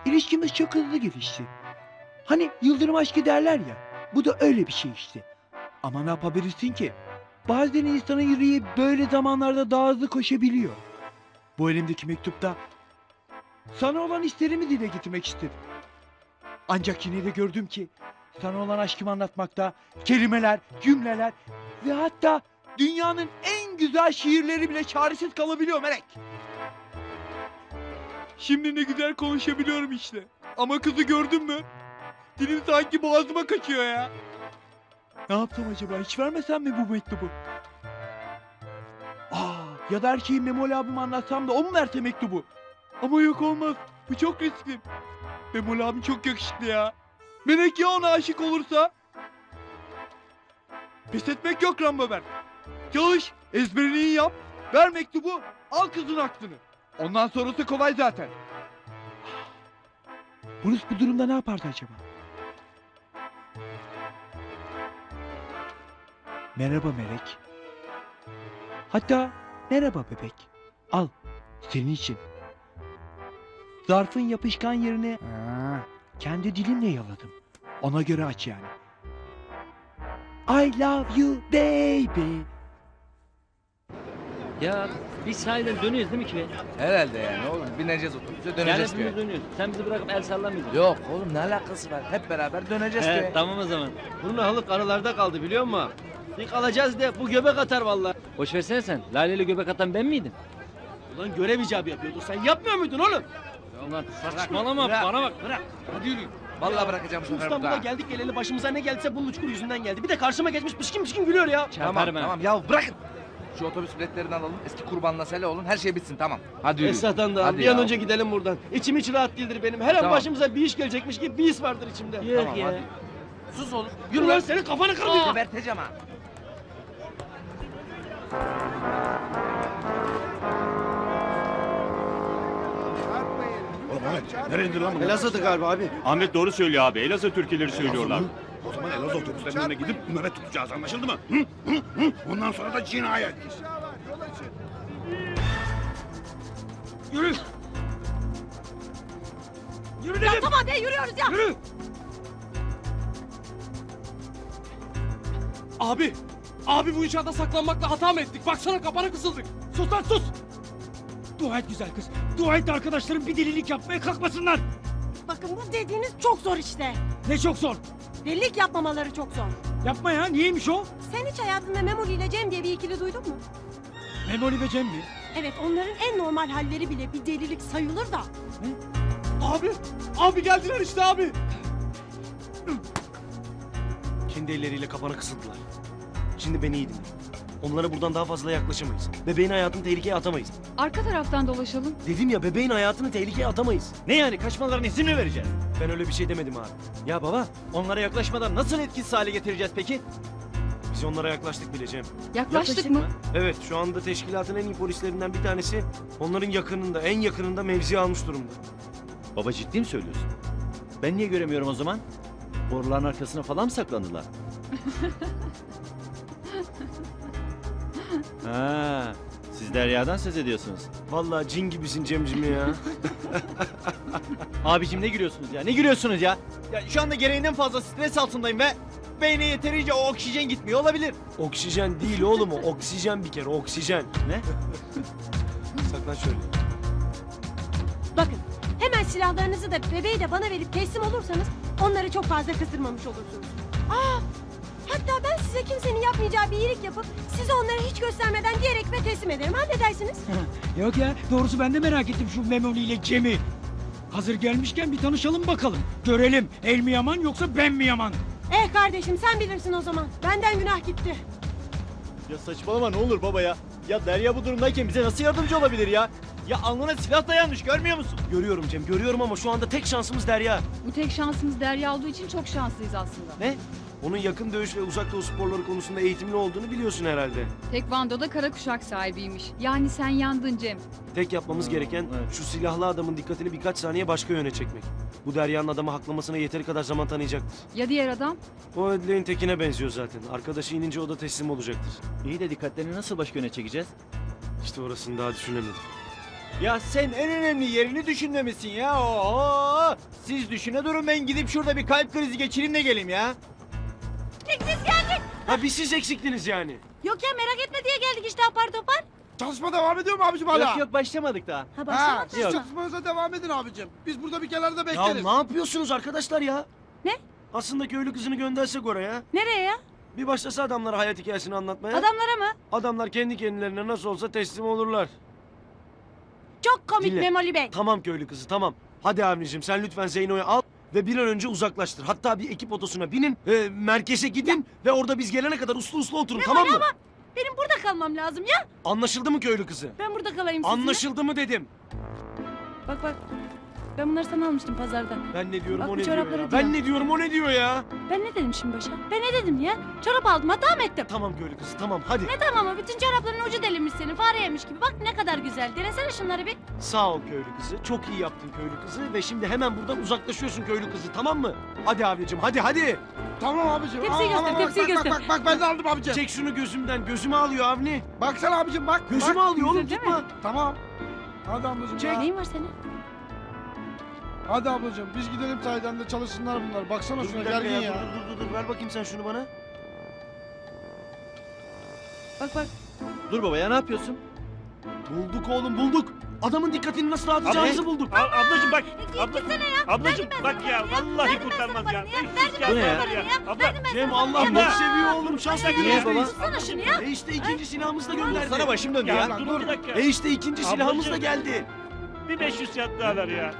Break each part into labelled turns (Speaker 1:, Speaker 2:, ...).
Speaker 1: İlişkimiz çok hızlı gelişti. Hani yıldırım aşkı derler ya. Bu da öyle bir şey işte. Ama ne yapabilirsin ki? Bazen insanın yüreği böyle zamanlarda daha hızlı koşabiliyor. Bu elimdeki mektupta sana olan hislerimi dile getirmek istedim. Ancak yine de gördüm ki sana olan aşkımı anlatmakta kelimeler, cümleler ve hatta dünyanın en güzel şiirleri bile çaresiz kalabiliyor Melek. Şimdi ne güzel konuşabiliyorum işte. Ama kızı gördün mü? Dilim sanki boğazıma kaçıyor ya. Ne yapsam acaba? Hiç vermesem mi bu mektubu? Ya da her şeyi Memoli abime anlatsam da o mu verse mektubu? Ama yok olmaz. Bu çok riskli. Memoli abim çok yakışıklı ya. Melek ya ona aşık olursa? Pes etmek yok Rambober. Çalış, ezberini iyi yap. Ver mektubu, al kızın aklını. Ondan sonrası kolay zaten. Bruce bu durumda ne yapardı acaba? Merhaba Melek. Hatta merhaba bebek. Al, senin için. Zarfın yapışkan yerine kendi dilimle yaladım. Ona göre aç yani. I love you baby.
Speaker 2: Ya biz sahiden dönüyoruz değil mi ki?
Speaker 3: Herhalde yani oğlum. Bineceğiz otobüse döneceğiz
Speaker 2: Yani
Speaker 3: köye.
Speaker 2: hepimiz dönüyoruz. Sen bizi bırakıp el sallamıyorsun.
Speaker 3: Yok oğlum ne alakası var? Hep beraber döneceğiz köye.
Speaker 2: He, tamam o zaman.
Speaker 4: Bunun halık aralarda kaldı biliyor musun? Bir kalacağız de bu göbek atar vallahi.
Speaker 2: Boş versene sen. Lale ile göbek atan ben miydim?
Speaker 4: Ulan görev icabı yapıyordun. Sen yapmıyor muydun oğlum?
Speaker 2: Ulan saçmalama bana bak.
Speaker 4: Bırak. Hadi yürü.
Speaker 3: Vallahi bırakacağım bu
Speaker 4: Şu
Speaker 3: sefer
Speaker 4: İstanbul'a
Speaker 3: burada.
Speaker 4: geldik geleli başımıza ne geldiyse bunun uçkur yüzünden geldi. Bir de karşıma geçmiş pışkın pışkın gülüyor ya.
Speaker 3: Tamam
Speaker 2: Çarparım ha.
Speaker 3: tamam ya bırakın. Şu otobüs biletlerini alalım. Eski kurbanla sele olun. Her şey bitsin tamam. Hadi yürü.
Speaker 4: Esat'tan da
Speaker 3: Hadi
Speaker 4: bir an
Speaker 3: ya.
Speaker 4: önce gidelim buradan. İçim hiç rahat değildir benim. Her an
Speaker 3: Tamam.
Speaker 4: başımıza bir iş gelecekmiş gibi bir his vardır içimde.
Speaker 2: Yok
Speaker 3: Tamam
Speaker 2: ya.
Speaker 3: hadi. Sus oğlum.
Speaker 4: Yürü lan senin kafanı kırmayacağım.
Speaker 3: Geberteceğim ha.
Speaker 5: Oğlum Ahmet, nereye indi lan bunlar?
Speaker 4: Elazığ'dı galiba abi.
Speaker 6: Ahmet doğru söylüyor abi. Elazığ türküleri söylüyorlar.
Speaker 5: Elazığ mı? O zaman Elazığ otobüslerinin önüne gidip nöbet tutacağız anlaşıldı mı? Hı? Hı? Hı? Bundan sonra da cinayet.
Speaker 4: Yürü. Yürü dedim.
Speaker 7: Tamam be yürüyoruz ya.
Speaker 4: Yürü. Abi. Abi bu inşaata saklanmakla hata mı ettik? Baksana kapana kısıldık. Sus lan sus.
Speaker 8: Dua et güzel kız. Dua et de arkadaşlarım bir delilik yapmaya kalkmasınlar.
Speaker 7: Bakın bu dediğiniz çok zor işte.
Speaker 8: Ne çok zor.
Speaker 7: Delilik yapmamaları çok zor.
Speaker 8: Yapma ya. Niyeymiş o?
Speaker 7: Sen hiç hayatında Memoli ile Cem diye bir ikili duydun mu?
Speaker 8: Memoli ve Cem mi?
Speaker 7: Evet onların en normal halleri bile bir delilik sayılır da.
Speaker 4: Abi. Abi geldiler işte abi. Kendi elleriyle kapana kısıldılar. Şimdi beni iyi dinle. Onlara buradan daha fazla yaklaşamayız. Bebeğin hayatını tehlikeye atamayız.
Speaker 9: Arka taraftan dolaşalım.
Speaker 4: Dedim ya bebeğin hayatını tehlikeye atamayız.
Speaker 2: Ne yani kaçmalarına izin mi vereceğiz?
Speaker 4: Ben öyle bir şey demedim abi.
Speaker 2: Ya baba onlara yaklaşmadan nasıl etkisiz hale getireceğiz peki?
Speaker 4: Biz onlara yaklaştık bile Cem.
Speaker 9: Yaklaştık mı?
Speaker 4: Evet şu anda teşkilatın en iyi polislerinden bir tanesi onların yakınında, en yakınında mevzi almış durumda.
Speaker 6: Baba ciddi mi söylüyorsun? Ben niye göremiyorum o zaman? Boruların arkasına falan mı saklandılar? Ha, siz Derya'dan söz ediyorsunuz.
Speaker 4: Vallahi cin gibisin Cemcim ya.
Speaker 2: Abicim ne gülüyorsunuz ya? Ne gülüyorsunuz ya? Ya şu anda gereğinden fazla stres altındayım ve beyne yeterince o oksijen gitmiyor olabilir.
Speaker 4: Oksijen değil oğlum o. Oksijen bir kere oksijen.
Speaker 2: Ne?
Speaker 4: Saklan şöyle.
Speaker 7: Bakın hemen silahlarınızı da bebeği de bana verip teslim olursanız onları çok fazla kızdırmamış olursunuz. Hatta ben size kimsenin yapmayacağı bir iyilik yapıp size onları hiç göstermeden diyerek ve teslim ederim. Ha ne dersiniz?
Speaker 8: Yok ya. Doğrusu ben de merak ettim şu Memoli ile Cem'i. Hazır gelmişken bir tanışalım bakalım. Görelim. El mi yaman yoksa ben mi yaman?
Speaker 7: Kardeşim sen bilirsin o zaman. Benden günah gitti.
Speaker 2: Ya saçmalama ne olur baba ya. Ya Derya bu durumdayken bize nasıl yardımcı olabilir ya? Ya alnına silah dayanmış görmüyor musun?
Speaker 4: Görüyorum Cem görüyorum ama şu anda tek şansımız Derya.
Speaker 9: Bu tek şansımız Derya olduğu için çok şanslıyız aslında.
Speaker 2: Ne?
Speaker 4: Onun yakın dövüş ve uzak doğu sporları konusunda eğitimli olduğunu biliyorsun herhalde.
Speaker 9: Tekvando'da kara kuşak sahibiymiş. Yani sen yandın Cem.
Speaker 4: Tek yapmamız gereken
Speaker 2: evet.
Speaker 4: şu silahlı adamın dikkatini birkaç saniye başka yöne çekmek. Bu Derya'nın adamı haklamasına yeteri kadar zaman tanıyacaktır.
Speaker 9: Ya diğer adam?
Speaker 4: O Ödleğin tekine benziyor zaten. Arkadaşı inince o da teslim olacaktır.
Speaker 6: İyi de dikkatlerini nasıl başka yöne çekeceğiz?
Speaker 4: İşte orasını daha düşünemedim.
Speaker 2: Ya sen en önemli yerini düşünmemişsin ya. Oho! Ya siz düşüne durun, ben gidip şurada bir kalp krizi geçireyim de geleyim ya.
Speaker 4: Ha bir siz eksiktiniz yani.
Speaker 7: Yok ya merak etme diye geldik işte apar topar.
Speaker 5: Çalışma devam ediyor mu abicim hala?
Speaker 2: Yok yok, başlamadık daha.
Speaker 7: Ha
Speaker 5: Ha,
Speaker 7: başlamadı.
Speaker 5: siz
Speaker 2: Yok.
Speaker 5: çalışmanıza devam edin abicim. Biz burada bir kenarda
Speaker 4: Ya
Speaker 5: bekleriz.
Speaker 4: ne yapıyorsunuz arkadaşlar ya?
Speaker 7: Ne?
Speaker 4: Aslında köylü kızını göndersek oraya.
Speaker 7: Nereye ya?
Speaker 4: Bir başlasa adamlara hayat hikayesini anlatmaya.
Speaker 7: Adamlara mı?
Speaker 4: Adamlar kendi kendilerine nasıl olsa teslim olurlar.
Speaker 7: Çok komik
Speaker 4: Dinle.
Speaker 7: Memoli Bey.
Speaker 4: Tamam köylü kızı tamam. Hadi abicim sen lütfen Zeyno'yu al ve bir an önce uzaklaştır. Hatta bir ekip otosuna binin, merkeze gidin ve orada biz gelene kadar uslu uslu oturun tamam mı?
Speaker 7: Benim burada kalmam lazım ya.
Speaker 4: Anlaşıldı mı köylü kızı?
Speaker 7: Ben burada kalayım sizinle.
Speaker 4: Anlaşıldı mı dedim.
Speaker 7: Bak bak. Ben bunları sana almıştım pazarda.
Speaker 4: Ben ne diyorum
Speaker 7: Bak
Speaker 4: o
Speaker 7: bu
Speaker 4: ne diyor
Speaker 7: çorapları
Speaker 4: ya.
Speaker 7: diyor.
Speaker 4: Ben ne diyorum o ne diyor ya.
Speaker 7: Ben ne dedim şimdi başa? Ben ne dedim ya? Çorap aldım hata mı ettim?
Speaker 4: Tamam köylü kızı tamam hadi.
Speaker 7: Ne tamamı? Bütün çorapların ucu delinmiş senin. Fare yemiş gibi. Bak ne kadar güzel. Denesene şunları bir.
Speaker 4: Sağ ol köylü kızı. Çok iyi yaptın köylü kızı ve şimdi hemen buradan uzaklaşıyorsun köylü kızı tamam mı? Hadi abicim hadi.
Speaker 5: Tamam abicim.
Speaker 7: Tepsiyi göster, tepsiyi göster.
Speaker 5: Bak ben de aldım abicim.
Speaker 4: Çek şunu gözümden. Gözümü alıyor Avni.
Speaker 5: Baksana abicim bak.
Speaker 4: Gözümü
Speaker 5: bak.
Speaker 4: alıyor oğlum
Speaker 7: Güzel değil
Speaker 4: tutma.
Speaker 5: Tamam. Hadi ablacığım
Speaker 4: Çek.
Speaker 5: ya.
Speaker 7: Neyin var senin?
Speaker 5: Hadi ablacığım biz gidelim sahiden de çalışsınlar bunlar. Baksana
Speaker 4: Dur
Speaker 5: şuna
Speaker 4: bir dakika
Speaker 5: gergin
Speaker 4: ya.
Speaker 5: ya.
Speaker 4: Dur. Ver bakayım sen şunu bana.
Speaker 7: Bak bak.
Speaker 2: Dur baba ya, ne yapıyorsun?
Speaker 4: Bulduk oğlum bulduk. Adamın dikkatini nasıl dağıtacağımızı bulduk.
Speaker 10: Ablacım bak.
Speaker 7: Gitsene ya.
Speaker 10: Ablacım bak ya. Vallahi kurtarmaz ya. 500 kağıt
Speaker 2: Bu ne ya?
Speaker 10: var ya. Abla.
Speaker 4: Cem Allah
Speaker 10: Ya.
Speaker 4: bok seviyor oğlum. Şansla
Speaker 2: Niye
Speaker 4: günümüzdeyiz.
Speaker 7: Tutsana şunu ya.
Speaker 4: İşte ikinci silahımız da gönderdi.
Speaker 2: Sana başım döndü ya.
Speaker 10: Ya dur bir dakika.
Speaker 4: İşte ikinci silahımız da
Speaker 10: Ablacığım.
Speaker 4: geldi.
Speaker 10: Bir 500 kağıt daha ver ya.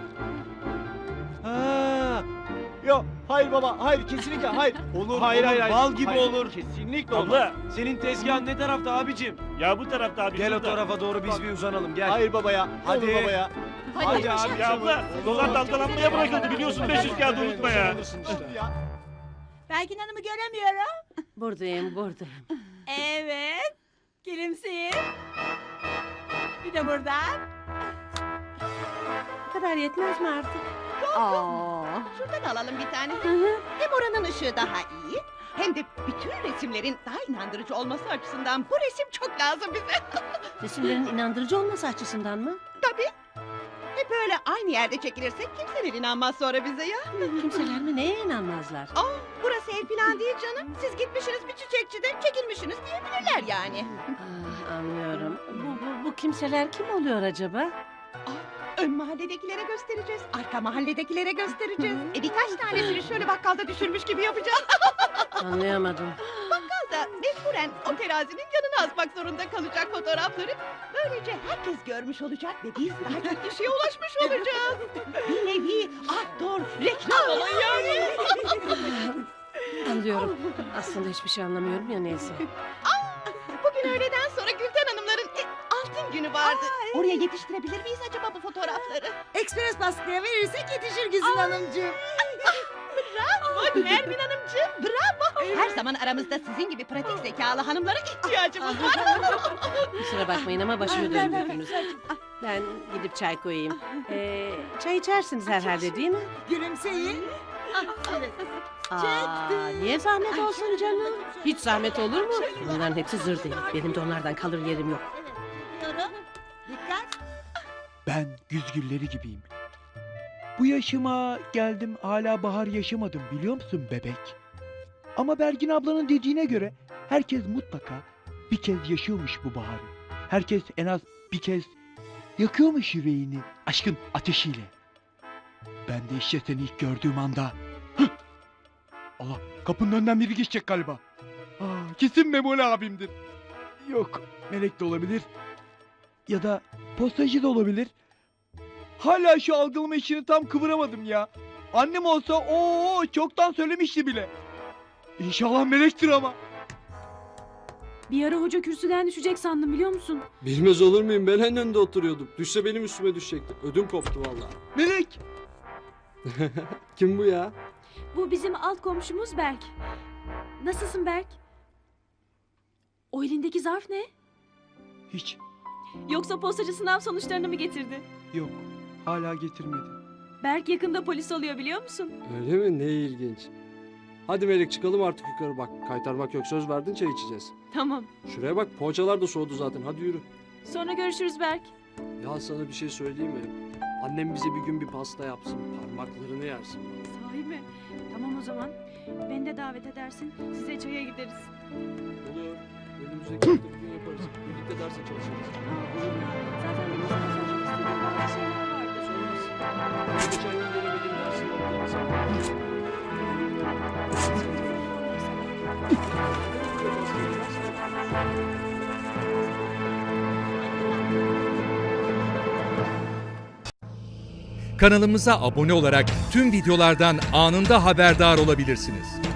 Speaker 2: Ha. Yok hayır baba, hayır kesinlikle hayır.
Speaker 4: Olur
Speaker 2: Hayır,
Speaker 4: olur,
Speaker 2: hayır,
Speaker 4: bal gibi
Speaker 2: hayır.
Speaker 4: olur.
Speaker 2: Kesinlikle olmaz.
Speaker 10: Abla.
Speaker 4: Senin tezgahın ne tarafta abicim?
Speaker 10: Ya bu tarafta abi.
Speaker 4: Gel o
Speaker 10: şurada.
Speaker 4: tarafa doğru biz bir uzanalım gel.
Speaker 2: Hayır baba ya.
Speaker 4: Hadi.
Speaker 2: Hadi baba ya.
Speaker 4: Hadi abi.
Speaker 10: Ya abla. Dolar dalgalanmaya bırakıldı biliyorsun. 500 kağıt unutma ya.
Speaker 7: Belgin Hanım'ı göremiyorum. Buradayım. Evet. Gülümseyin. Bir de buradan. Bu kadar yetmez mi artık?
Speaker 11: Şuradan alalım bir tane. Hem oranın ışığı daha iyi, hem de bütün resimlerin daha inandırıcı olması açısından bu resim çok lazım bize.
Speaker 7: Resimlerin inandırıcı olması açısından mı?
Speaker 11: Tabii. Hep böyle aynı yerde çekilirsek kimseler inanmaz sonra bize ya.
Speaker 7: Kimseler mi neye inanmazlar?
Speaker 11: Burası ev falan değil canım. Siz gitmişsiniz bir çiçekçide çekilmişsiniz diyebilirler yani.
Speaker 7: Anlıyorum. Bu kimseler kim oluyor acaba?
Speaker 11: Ön mahalledekilere göstereceğiz, arka mahalledekilere göstereceğiz. Birkaç tanesini şöyle bakkalda düşürmüş gibi yapacağız.
Speaker 7: Anlayamadım.
Speaker 11: Da mecburen o terazinin yanına asmak zorunda kalacak fotoğrafları. Böylece herkes görmüş olacak ve biz daha çok kişiye ulaşmış olacağız. Bir nevi outdoor reklam olayı yani.
Speaker 7: Anlıyorum. Aslında hiçbir şey anlamıyorum ya neyse.
Speaker 11: Bugün öğleden sonra Gülten Hanımların altın günü vardı. Oraya yetiştirebilir miyiz acaba bu fotoğrafları?
Speaker 7: Ekspres baskıya verirsek yetişir Güzin Hanımcığım.
Speaker 11: Bravo Nermin Hanımcığım, bravo. Her zaman aramızda sizin gibi pratik zekalı hanımlara ihtiyacımız var.
Speaker 7: Kusura bakmayın ama başımı döndürdünüz. Ben gidip çay koyayım. Çay içersiniz herhalde değil mi?
Speaker 11: Gülümseyin.
Speaker 7: Niye zahmet olsun canım? Hiç zahmet olur mu? Bunların hepsi zır değil. Benim de onlardan kalır yerim yok.
Speaker 1: Ben güzgülleri gibiyim. Bu yaşıma geldim hala bahar yaşamadım biliyor musun bebek? Ama Bergin ablanın dediğine göre herkes mutlaka bir kez yaşıyormuş bu baharı. Herkes en az bir kez yakıyormuş yüreğini aşkın ateşiyle. Ben de işte seni ilk gördüğüm anda... Hıh! Allah, kapının önünden biri geçecek galiba. Kesin Memoli abimdir. Yok, Melek de olabilir. Ya da postacı da olabilir. Hala şu algılama işini tam kıvıramadım ya. Annem olsa çoktan söylemişti bile. İnşallah Melek'tir ama.
Speaker 9: Bir ara hoca kürsüden düşecek sandım biliyor musun?
Speaker 12: Bilmez olur muyum? Ben en önde oturuyordum. Düşse benim üstüme düşecekti. Ödüm koptu vallahi.
Speaker 1: Melek!
Speaker 12: Kim bu ya?
Speaker 9: Bu bizim alt komşumuz Berk. Nasılsın Berk? O elindeki zarf ne?
Speaker 1: Hiç,
Speaker 9: Yoksa postacı sınav sonuçlarını mı getirdi?
Speaker 1: yok. Hala getirmedi.
Speaker 9: Berk yakında polis oluyor biliyor musun?
Speaker 12: Öyle mi? Ne ilginç. Hadi Melek çıkalım artık yukarı bak. Kaytarmak yok. Söz verdin çay içeceğiz.
Speaker 9: Tamam.
Speaker 12: Şuraya bak poğaçalar da soğudu zaten. Hadi yürü.
Speaker 9: Sonra görüşürüz Berk.
Speaker 12: Ya sana bir şey söyleyeyim mi? Annem bize bir gün bir pasta yapsın. Parmaklarını yersin.
Speaker 9: Sahi mi? Tamam o zaman. Beni de davet edersin. Size çaya gideriz.
Speaker 12: Olur. Önümüzdeki hafta bir gün yaparız. Birlikte derse çalışırız.
Speaker 9: Olur ya. Zaten benim sana sormak istediğim bazı şeyler vardı.
Speaker 12: Sormaz. Geçen gün veremediğim dersini aldım.
Speaker 13: Kanalımıza abone olarak tüm videolardan anında haberdar olabilirsiniz.